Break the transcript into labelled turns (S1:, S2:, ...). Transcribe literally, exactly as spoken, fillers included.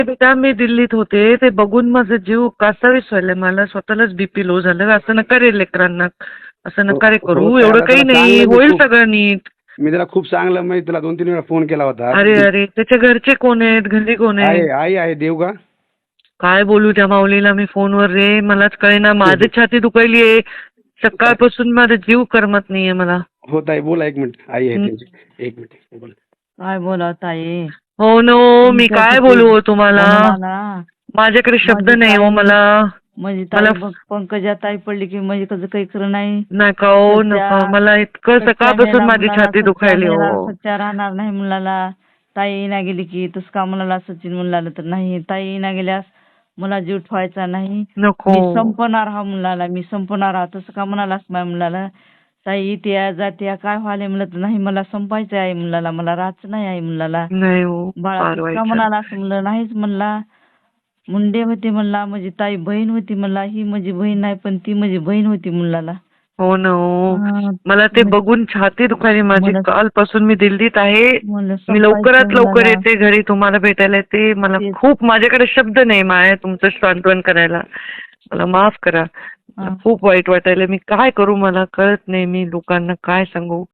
S1: बेटा मी दिल्लीत होते ते बघून माझा जीव कासावीस व्हायला. मला स्वतःलाच बीपी लो झालं. असं नका रे लेकरांना, असं
S2: हो
S1: नका रे
S2: हो
S1: करू.
S2: ताई,
S1: एवढं
S2: आता
S1: काही
S2: त्याला
S1: नाही,
S2: चांगलं मी
S1: होईल
S2: खूप
S1: सगळं नीट.
S2: मी त्याला खूप चांगलं म्हणजे तुला दोन तीन वेळा फोन केला होता.
S1: अरे अरे त्याच्या घरचे कोण आहेत, घरी कोण आहे?
S2: आहे आई आहे देवगा.
S1: काय बोलू त्या माऊलीला मी फोनवर रे, मलाच कळेना. माझी छाती दुखायली आहे सकाळपासून, माझा जीव करमत नाहीये मला.
S2: हो ताई बोला, एक मिनिट आई आहे
S1: हं.
S2: त्यांची, एक मिनिट बोला.
S3: काय बोलावं ताई,
S1: हो नो, मी काय
S3: तुमच्यासाठी
S1: बोलू हो तुम्हाला,
S3: म्हणून आला.
S1: माझ्याकडे शब्द
S3: माझी
S1: नाही हो
S3: ताई
S1: मला.
S3: माझी
S1: मला
S3: ताई बघ, पंकजा ताई पडली की म्हणजे कसं काही खरं नाही.
S1: नका हो
S3: सच्चा
S1: नका, मला इतकं
S3: सच्चा
S1: सकाळपासून
S3: मेला
S1: माझी
S3: मुलाला,
S1: छाती
S3: सच्चा
S1: दुखायली
S3: मेला
S1: हो.
S3: सच्चा राहणार नाही मुलाला. ताई ना गेली की तसं का मुलाला सचिन मुलाला तर नाही. ताई ना गेल्यास मला जीव ठेवायचा नाही.
S1: नको.
S3: मी संपणार हा मुलाला, मी संपणार हा. तसं का म्हणालास माझ्या मुलाला. ताई इतिया जात्या काय व्हायला म्हणलं तर नाही, मला संपायचं आहे मुलाला, मला राहायचं नाही आहे मुलाला.
S1: नाही हो,
S3: बाळा
S1: फार
S3: तसं
S1: वाईट
S3: का
S1: झालं.
S3: म्हणाला असं म्हणलं नाहीच म्हणला. मुंडे होते म्हणला, माझी ताई बहीण होती म्हणला. ही माझी बहीण नाही पण ती माझी बहीण होती मुलाला.
S1: हो ना हो,
S3: हा,
S1: मला ते
S3: मग-
S1: बघून छाती दुखायली माझी.
S3: मला-
S1: कालपासून मी दिल्लीत आहे.
S3: मला
S1: मी लवकरात
S3: संपायचं
S1: लवकर
S3: मुलाला.
S1: येते घरी तुम्हाला भेटायला येते. मला
S3: तेच.
S1: खूप, माझ्याकडे शब्द नाही माया तुमचं सांत्वन करायला. मला माफ करा. मला
S3: हा.
S1: खूप वाईट वाटायला. मी काय करू मला कळत नाही. मी लोकांना काय सांगू.